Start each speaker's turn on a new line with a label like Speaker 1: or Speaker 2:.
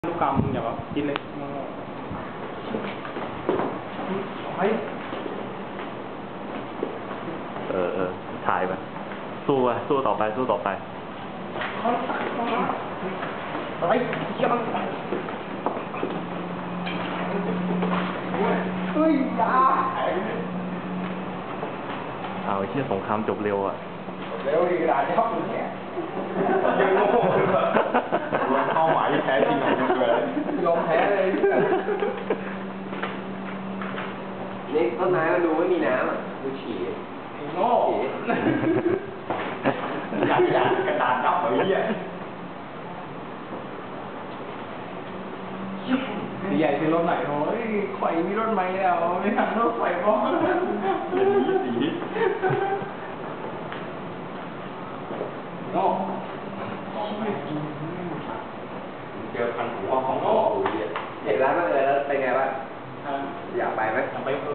Speaker 1: ลูกกำอย่าแบบกินเลยไป
Speaker 2: ถ่ายไปสู้ไปสู้ต่อไปสู้ต่อไป
Speaker 1: ไปเยี่ยมเฮ้ยยา
Speaker 2: เอาไอ้เชี่ยสงครามจบเร็วอ่ะ
Speaker 1: เร็วดีกระดาษยับเลยเนี่ยยังโง่เลยเข้าหมายแท้จริงของมันเลยยอมแพ้เลย
Speaker 3: นี่ต้นไม้มันดูไม่มีน้ำอ่ะดูฉี่
Speaker 1: โง่อยากกระดาษยับเลยเนี่ยใหญ่เป็นรถไหนโอ้ยไข่มีรถไหมแล้วไม่ทันรถไฟบ้องสีโง่เจอพันหัวของโง่
Speaker 3: เห็นร้านมันเลยแล้วเป็นไงบ้างอยากไปไหม
Speaker 1: อยากไป